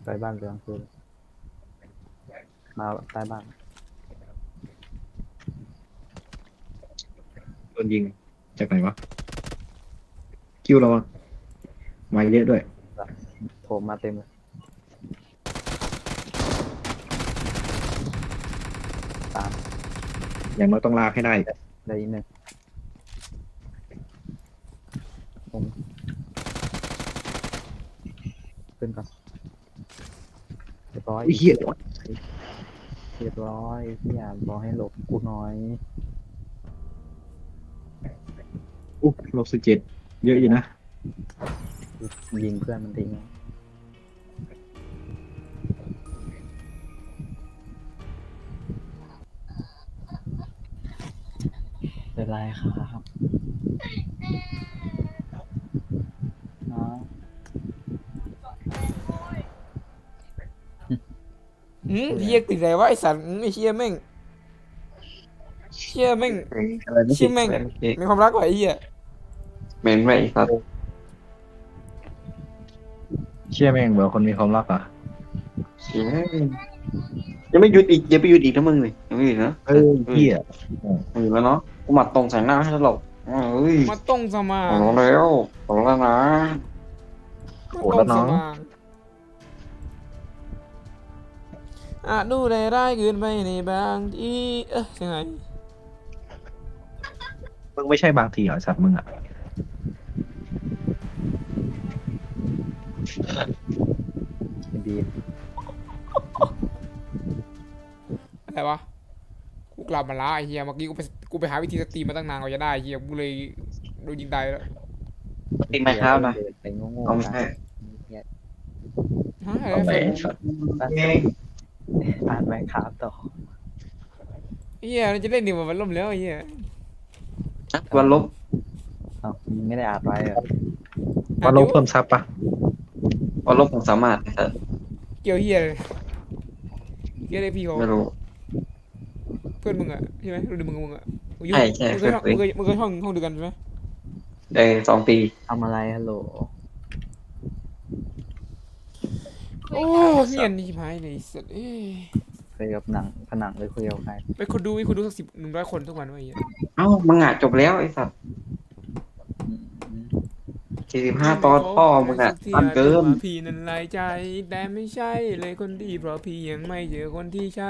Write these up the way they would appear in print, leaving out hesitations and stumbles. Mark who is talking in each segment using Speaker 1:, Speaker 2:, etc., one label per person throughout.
Speaker 1: ไปบ้านเหลืองคือมาใต้บ้าน
Speaker 2: โดนยิงจากไหนวะคิวเราอะมาเยอะด้วย
Speaker 1: โถมมาเต็มเลยตาม
Speaker 2: อย่างน้อยต้องลากให้ได้
Speaker 1: ได้อีกหนึ่งผมขึ้นก่อนเรียบร้อย
Speaker 2: ไอ้เหี้ย
Speaker 1: เรียบร้อยพี่อ่ะบอกให้หลบกูน้อย
Speaker 2: อุ๊บ-17เยอะอยู่นะ
Speaker 1: ยิงเพื่อนมันทิ้งเป็นไรครับน้อง
Speaker 3: เฮียติดอะไรวะไอสัตว์ไอเฮียแม่งเฮียแม่ง
Speaker 4: อะไรไม่
Speaker 3: เฮียแม่งมีความรักกว่าไอเฮีย
Speaker 4: เมนไม่ครับ
Speaker 2: เชื่อแม่งเบอคนมีความรักอ่ะ
Speaker 4: เชี่ยยังไม่หยุดอีกยังไม่หยุดอีกนะมึงเลยยังไม่หยุดนะ
Speaker 2: เหี้ย
Speaker 4: ไม่หยุดแล้วเนาะกูหมัดตรงใส่หน้าให้ตลกเอ้ย
Speaker 3: มาต้องสมา
Speaker 4: ขอร้องแล้วขอร้องแล้วนะ
Speaker 3: มาต้องสมาดูได้ร้ายเกินไปในบางทียังไง
Speaker 2: มึงไม่ใช่บางทีเหรอสัตว์มึงอ่ะ
Speaker 1: บี
Speaker 3: อะไรวะกูกลับมาละไอเฮียเมื่อกี้กูไปหาวิธีสตรีมมาตั้งนานกว่าจะได้เฮียกูเลยโดนยิงตายแล้ว
Speaker 4: ติดไหมครับนะ
Speaker 1: ไปโง่
Speaker 4: เอาไม่ใช่
Speaker 3: ฮะอะไร
Speaker 2: เอาไป
Speaker 3: สัตว์
Speaker 1: อ่านแม่ครับต่อ
Speaker 3: เฮียมันจะเล่นดีกว่ามันล่มแล้วไอเฮีย
Speaker 4: วันลบ
Speaker 1: อ้าวไม่ได้อ่านไว้เหรอ
Speaker 2: ว่าลบเพิ่มซับปะ
Speaker 4: วันลบผมสามารถนะครับ
Speaker 3: เกี่ยวเฮียเลยเฮียเลยพี่เขา
Speaker 4: ไม่รู้
Speaker 3: เพื่อนมึงอะใช่ไหมรุ่นมึงอะอยู่
Speaker 4: ใช่ใช่
Speaker 3: มึงเคยห้องเดียวกันใช่ไหม
Speaker 4: 2 ปี
Speaker 1: ทำอะไรฮัลโหล
Speaker 3: โอ้เฮียนี่หายเลยสัตว์
Speaker 1: คุยกับหนังผนังหรือคุยกับใคร
Speaker 3: ไปคนดูสัก100 คนทุกวันวะไอ้เหี้ย
Speaker 4: เอ้ามึงอ่ะจบแล้วไอ้สัตว์45 ตอนพ่อมึงอ่ะสั้นเกิน
Speaker 3: พี่นั้นลายใจแต่ไม่ใช่เลยคนดีเพราะพี่ยังไม่เจอคนที่ใช่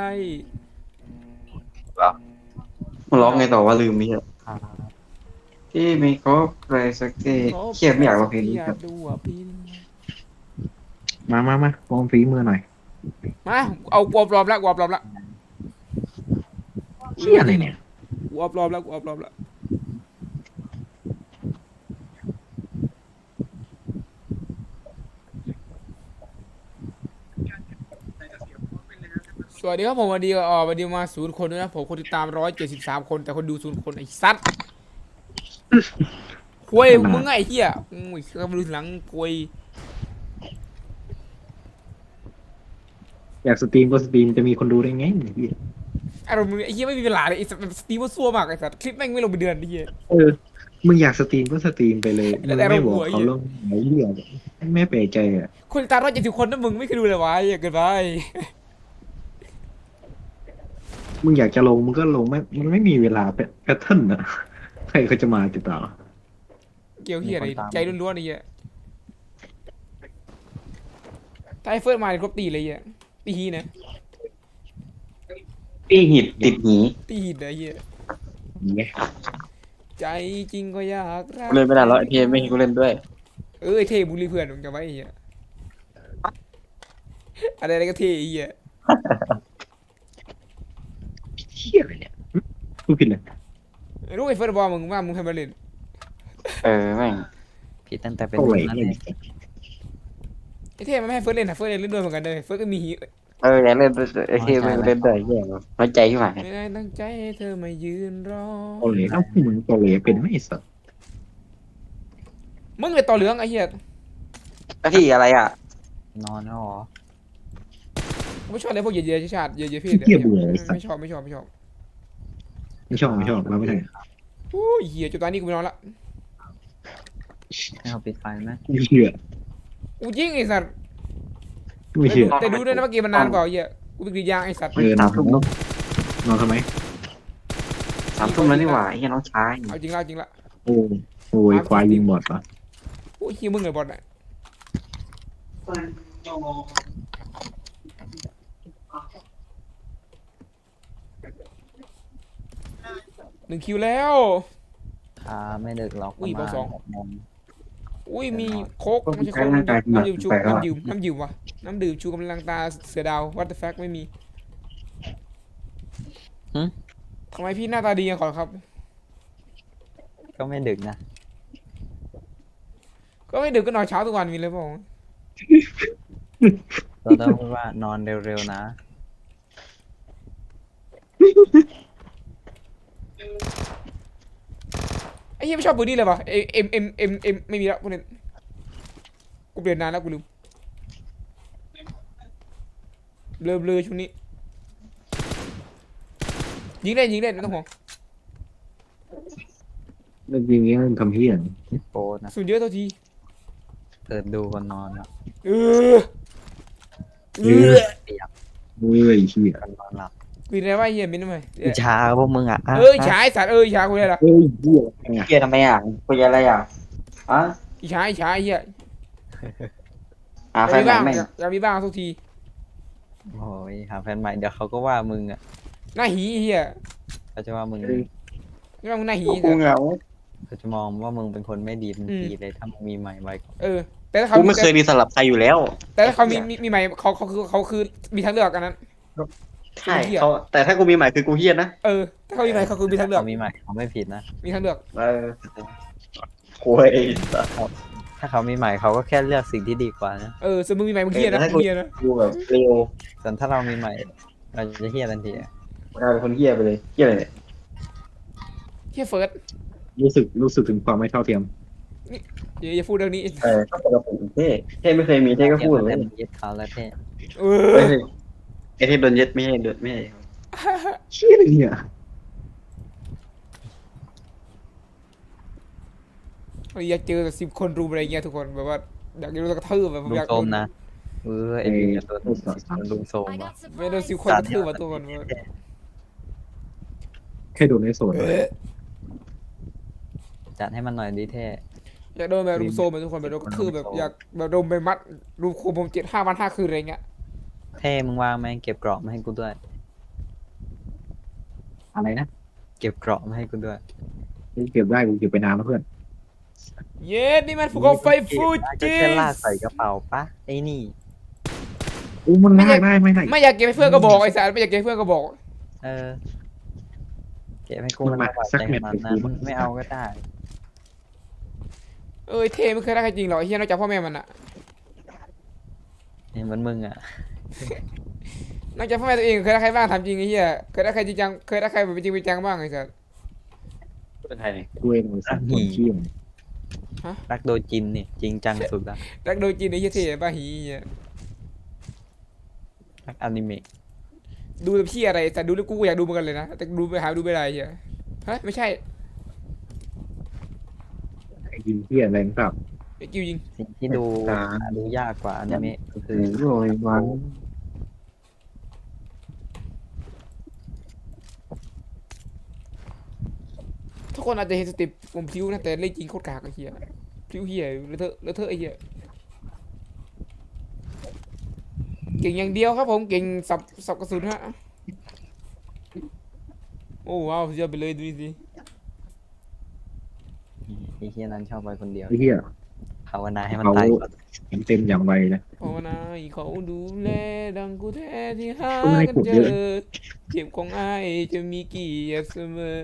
Speaker 4: มึงร้องไงต่อว่าลืมมิเหรอ
Speaker 1: อ่า
Speaker 4: ที่ไม่ครบใครสักทีเครียดไม่อยากร้องเพลงนี้ครับ
Speaker 3: ดูอ่ะพี่
Speaker 2: มาลองฝีมือหน่อย
Speaker 3: มาเอากวบรอบละ
Speaker 2: เหี้ยอะไรเนี่ย
Speaker 3: กวบรอบละสวัสดีครับผมวันดีมา0 คนด้วยนะผมคนติดตาม173 คนแต่คนดู0 คนไอ้สัตว์คุยมึงไงไอ้เหี้ยอุ้ยกำลังดูหลังคุย
Speaker 2: อยากสตรีมก็สตรีมจะมีคนดูได้ไงเหี้ย
Speaker 3: อารมณ์มึงไอ้เหี้ยไม่มีเวลาเลยไอ้สัตว์สตรีมว่าซัวมากไอ้สัตว์คลิปแม่งไม่ลงไปเดือนไอ้เหี้ย
Speaker 2: มึงอยากสตรีมก็สตรีมไปเลย
Speaker 3: แต่
Speaker 2: มึงไม่บอก
Speaker 3: เราหัว
Speaker 2: เขาลงไหนเหี้ยไม่แปลกใจอ่ะ
Speaker 3: คนติดตาม170 คนนะมึงไม่เคยดูเลยวะไอ้เหี้ยเกินไป
Speaker 2: มึงอยากจะลงมึงก็ลงมันไม่มีเวลาแพทเทิร์นอ่ะใครเขาจะมาติดต่อ
Speaker 3: เกี่ยวเหี้ยอะไรใจล้วนๆไอ้เหี้ยถ้าไอ้เฟิร์สมาเนี่ยครบตีเลยไอ้เหี้ยตีฮีนะ
Speaker 4: พี่หิดติดหนี
Speaker 3: ตีฮีนะไอ้เหี้ย
Speaker 2: เนี่ย
Speaker 3: ใจจริงก็อยากรัก
Speaker 4: กูเล่นไม่ได้แล้วไอพีไม่ให้กูเล่นด้วย
Speaker 3: ไอ้เท่บุรีเพื่อนมึงจำไว้ไอ้เหี้ยอะไรก็เท่ไอ้เหี้ย
Speaker 2: เหี้ยอะไรเนี่ยพูดผิดเลย
Speaker 3: รู้ไอ้เฟิร์สบอกมึงว่ามึงให้มาเล่น
Speaker 4: แม่ง
Speaker 1: ผิดตั้งแต่เป็น
Speaker 2: โอ้ย
Speaker 1: นั่นเอง
Speaker 3: ไอ้เท่มันไม่ให้เฟิร์สเล่นนะเฟิร์สเล่นด้วยเหมือนกันเลยเฟิร์สก็มีฮี
Speaker 4: อยากเล่นไอพีไม่เล่นด้วยแย่น้อยใจขึ้นมา
Speaker 3: ไม่ได้ตั้งใจให้เธอมายืนรอ
Speaker 2: โอเล่เอ้ามึงโอเล่เป็นไม่สัตว์
Speaker 3: มึงเลยต่อเหลืองไอ้เหี้ย
Speaker 4: แล้วที่อะไรอ่ะ
Speaker 1: นอนแล้วเหรอ
Speaker 3: กูไม่ชอบเลยพวกเหยียดชาติเหยียดเพศ
Speaker 2: เหี้ยเบื่อไอ้สัต
Speaker 3: ไม่
Speaker 2: ว์
Speaker 3: ชอบ
Speaker 2: ไม่ชอบเราไม่ได้
Speaker 3: โอ้ยเหี้ยจุดตอนนี้กูไปนอนละ
Speaker 1: ให้เขาปิดไฟไหม
Speaker 2: เหี้ย
Speaker 3: กูยิงไอ้สัตว์
Speaker 2: ไม่เชื่อ
Speaker 3: แต่ดูด้วยนะเมื่อกี้มันนานกว่าไอ้เหี้ยกูไปกรีดยางไอ้สัตว์
Speaker 2: เออนอนนอนทำไม
Speaker 4: 3 ทุ่มแล้วนี่หว่าไอ้เหี้ยน้องชาย
Speaker 3: เอาจริงละเอาจริงละ
Speaker 2: โอ้โอ้ยควายยิงบอดปะ
Speaker 3: โอ้ยเหี้ยมึงเลยบอลน่ะ1 คิวแล้ว
Speaker 1: ไม่ดึกหรอก
Speaker 3: อุ้ย
Speaker 1: ประ
Speaker 3: เบอร์สอง
Speaker 1: มาณ6 โมง
Speaker 3: อุ้ยมีโค้กไม่ใช่โค้กน้ำดื่มชูน้ำดื่มวะน้ำดื่มชูกำลังตาเสือดาว what the fuck ไม่มีทำไมพี่หน้าตาดีอย่างขอครับ
Speaker 1: ก็ไม่ดึกนะ
Speaker 3: ก็ไม่ดึกก็นอนเช้าทุกวันมีเลยเปล่า
Speaker 1: เราต้องพูดว่านอนเร็วๆนะ
Speaker 3: ไอ้เหี้ยไม่ชอบปืนนี่เลยป่ะเอ็มไม่มีแล้วพวกนี้กูเปลี่ยนนานแล้วกูลืมเบลอช่วงนี้ยิงเล่นไม่ต้องห่วง
Speaker 2: เรื่องยิงนี้มันทำเฮี้ยน
Speaker 1: โปรนะ
Speaker 3: สูญเยอะเท่าที
Speaker 1: เปิดดูก่อนนอนนะ
Speaker 3: เออ
Speaker 2: เฮ้ยเฮ้ยเฮี้ย
Speaker 1: ก่อนนอนหลับ
Speaker 3: กูอะไรวะเหี้ยมินทำไม
Speaker 1: อิจฉาพวกมึงอ่ะ
Speaker 3: เอ้ยฉายสัตว์อิจฉากูเลยล่ะ
Speaker 2: เฮ้ยเฮี้ยไง
Speaker 4: เหี้ยทำไมอ่ะคุยอะไรอ่ะอ่ะ
Speaker 3: อิจฉาเหี้ย
Speaker 4: หา
Speaker 3: อ
Speaker 4: แฟ
Speaker 3: ยาก
Speaker 4: น
Speaker 3: มี
Speaker 4: ใหม่
Speaker 3: บ้าง
Speaker 4: แม่ง
Speaker 3: อยากมีบ้างทุกที
Speaker 1: โอ้ยหาแฟนใหม่เดี๋ยวเขาก็ว่ามึงอ่ะ
Speaker 3: หน้าหีเหี้ย
Speaker 1: เขาจะว่ามึง
Speaker 3: ไม่ต้องหน้าหี
Speaker 4: กูเหงา
Speaker 1: เขาจะมองว่ามึงเป็นคนไม่ดีทันทีเลยถ้ามึงมีใหม่ไว้ก่อน
Speaker 3: เออแต่ถ้าเขา
Speaker 4: กูไม่เคยดีสลับใครอยู่แล้ว
Speaker 3: แต่ถ้าเขามีใหม่เขาคือมีทางเลือกกันนั้น
Speaker 4: ใช่เขาแต่ถ้ากูมีใหม่คือกูเฮี้ยนะ
Speaker 3: เออถ้าเขามีใหม่เขาคือมีทางเลือก
Speaker 1: เขามีใหม่เขาไม่ผิดนะ
Speaker 3: มีทางเลือก
Speaker 4: เออคุย
Speaker 1: ถ้าเขามีใหม่เขาก็แค่เลือกสิ่งที่ดีกว่านะ
Speaker 3: เออสมมติมีใหม่มึงเหี้ยนะมึงเหี้ยนะ
Speaker 4: กูแบบเร็ว
Speaker 1: ส่วนถ้าเรามีใหม่เราจะเฮี้ยทันทีอะ
Speaker 4: กลายเป็นคนเฮี้ยไปเลยเฮี้ยอะไรเนี่ย
Speaker 3: เหี้ยเฟิร์ส
Speaker 2: รู้สึกถึงความไม่เท่าเทียม
Speaker 3: อย่าพูดเรื่องนี้
Speaker 4: ก็ปกติเท่ไม่เคยมีเท่ก็พูด
Speaker 1: เที
Speaker 4: เลย
Speaker 1: ยบกันยึดเขาแล้วเท่
Speaker 3: เอ
Speaker 4: เฮ้
Speaker 3: อย
Speaker 4: ไอ้ที่โดนยึดไม่ให้โดนไม่ให้
Speaker 2: เชี่ยอะไรเนี่ย
Speaker 3: อยากเจอแบบ10 คนรุมอะไรเงี้ยทุกคนแบบว่าอยากโดนกระทืบแบบ
Speaker 1: ลุง
Speaker 3: อยาก
Speaker 1: โซ
Speaker 3: โด
Speaker 1: ม
Speaker 3: น
Speaker 1: นะไอ้นี่จะโดนลุงโซม
Speaker 5: I
Speaker 1: ว่ะ
Speaker 5: got supplies.
Speaker 3: ไม่โดน10 คนกระทืบอ่ะทุกคน
Speaker 2: แค่โดนในโซน
Speaker 1: จัดให้มันหน่อยดิเท่
Speaker 3: อยากโดนแบบรุมโซมแบบทุกคนแบบโดนกระทืบแบบอยากแบบรุมไปมัดรุมคุมผม7 5 วัน 5 คืนอะไรเงี้ย
Speaker 1: เท่มึงวางไหมเก็บกรอบมาให้กูด้วย
Speaker 2: อะไรนะ
Speaker 1: เก็บกรอบมาให้กูด้วย
Speaker 2: เก็บได้กูเก็บไปนานแล้วเพื่อน
Speaker 3: เย้นี่มันภูเขาไฟฟูจิ
Speaker 1: แค่ลากใส่กระเป๋าปะไอ้นี่
Speaker 2: อู้มันลากได้ไม่ได้
Speaker 3: ไม่อยากเก็บให้เพื่อนก็บอกไอ้สารไม่อยากเก็บให้เพื่อนก็บอก
Speaker 1: เออเก็บให้กูมันบาดใจขนาดนั้นไม่เอาก็ได้
Speaker 3: เอ้ยเทไม่เคยได้ใครจริงหรอกไอ้เฮียนอกจากพ่อแม่มันอะ
Speaker 1: เนี่ยเหมือนมึงอ่ะ
Speaker 3: นอกจากพ่อแม่ตัวเองเคยได้ใครบ้างถามจริงไอ้เฮียเคยได้ใครจริงจังเคยได้ใครแบบจริงเป็นจังบ้างไอ้สัส
Speaker 4: เป็นไทยนี่
Speaker 2: กูเองเลยสัตว์คนเชี่ย
Speaker 1: รักโดจินเนี่ยจริงจังสุดละ
Speaker 3: รักโดยจริงไอ้เฮียเทบ้าหีเหี้ย
Speaker 1: รักอนิเมะ
Speaker 3: ดูแต่พี่อะไรแต่ดูแล้วกูก็อยากดูเหมือนกันเลยนะแต่ดูไปหาดูไม่ได้เฮียฮะไม่ใช่
Speaker 2: ไอ้ยิงเชี่ยอะไรนะครับ
Speaker 3: ไอ้กิวยิง
Speaker 1: สิ่งที่ดูดูยากกว่าอนิเมะก็คือ
Speaker 2: โอ้ยวัน
Speaker 3: ทุกคนอาจจะเห็นสเติปผมพลิ้วนะแต่เล่นจริงโคตรกากไอ้เฮียพลิ้วเฮียเลอะเทอะไอ้เฮียเก่งอย่างเดียวครับผมเก่งสับกระสุนฮะโอ้ว้าวสุดยอดไปเลยดูสิ
Speaker 1: ไอ้เฮียนั้นชอบไปคนเดียว
Speaker 2: ไอ้เหี้ย
Speaker 1: ภาวนาให้มัน
Speaker 2: เขา
Speaker 1: ตายก่อน
Speaker 2: เต็มอย่างไวเลย
Speaker 3: ภาวนาให้เขาดูแลดังกูแท้ที่หา
Speaker 2: ก็ไม่ได้
Speaker 3: กัน
Speaker 2: ขุด
Speaker 3: เจ
Speaker 2: เย
Speaker 3: อ
Speaker 2: อะ
Speaker 3: เจ็บของไอ้ายจะมีเกี่ยรติเสมอ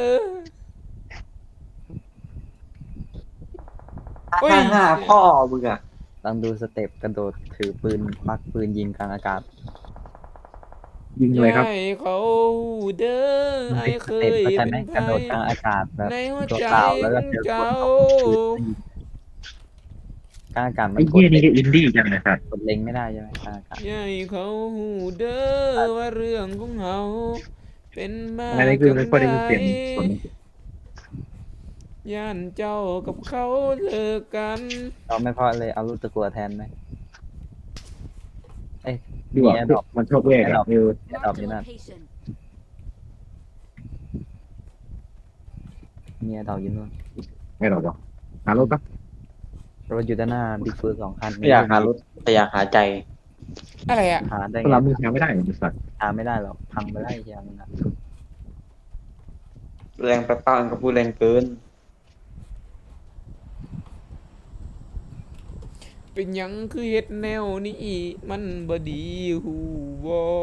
Speaker 3: เฮ้ย
Speaker 4: ห้าพ่อมึงอ่ะ
Speaker 1: ลองดูสเต็ปกระโดดถือปืนปักปืนยิงกลางอากาศ
Speaker 2: ยิงอะไรครับ
Speaker 3: ให้เขาเด้อไอ้
Speaker 1: ส
Speaker 3: เค
Speaker 1: เต็ป
Speaker 3: ย
Speaker 1: เข้าใจ
Speaker 3: เป็
Speaker 1: ไหม
Speaker 3: น
Speaker 1: กระโดดก
Speaker 3: ไผ
Speaker 1: ลางอากาศแบบ
Speaker 3: ในหัว
Speaker 1: ตัว
Speaker 3: ใจ
Speaker 1: เปล่าแล้วก็เจอคน
Speaker 3: เจ้า
Speaker 1: เอาปืนกลางอากาศมัน
Speaker 2: ไอ้
Speaker 1: ก
Speaker 2: เหี้ย
Speaker 1: ด
Speaker 2: นี่
Speaker 1: เล็ง
Speaker 2: ก็อินดี้จังเลยครับ
Speaker 1: กดเล็งไม่ได้ใช่ไหมกลางอากาศ
Speaker 3: ให้เขาเด้อว่าเรื่องของเขาเป็นมา
Speaker 2: อะไรคือไม่ค่อยได้ยินเสียงฝน
Speaker 3: ย่านเจ้ากับเขาเลิกกัน
Speaker 1: เราไม่พอเลยเอาลูกตะกัวแทนไหม
Speaker 2: ดีกว่ามันชอบแยกอะเออ
Speaker 1: Marked a location. เนี่ยดอกอยู่นู่น
Speaker 2: ไม่หรอกวะหารถปะ
Speaker 1: รถอยู่ด้านหน้าบิ๊กเฟิร์ส2 คัน
Speaker 4: ไม่อยากหารถแต่อยากหาใจ
Speaker 3: อะไรอะ
Speaker 1: หาได้
Speaker 2: เว
Speaker 1: ไง
Speaker 2: ลามึงหาไม่ได้เหมือนสัตว์
Speaker 1: หาไม่ได้หรอกพังไปได้เฮียมันอะ
Speaker 4: แรงไปป้าก็พูดแรงเกิน
Speaker 3: เป็นหยังคือเฮ็ดแนวนี้มันบ่ดีหูบ่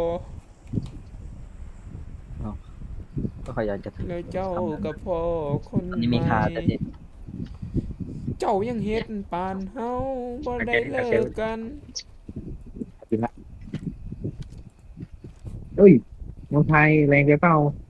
Speaker 1: ก็ขอยากจะถึง
Speaker 3: แล้วเจ้ากับพ่อคน
Speaker 1: ตอนนี้มีคาแต่
Speaker 3: ให
Speaker 1: ที่
Speaker 3: เจ้ายังเฮ็ดปานเฮาบ่ได้เลิกกัน
Speaker 2: จริงละเอ้ยเมืองไทยแรงไปเปล่า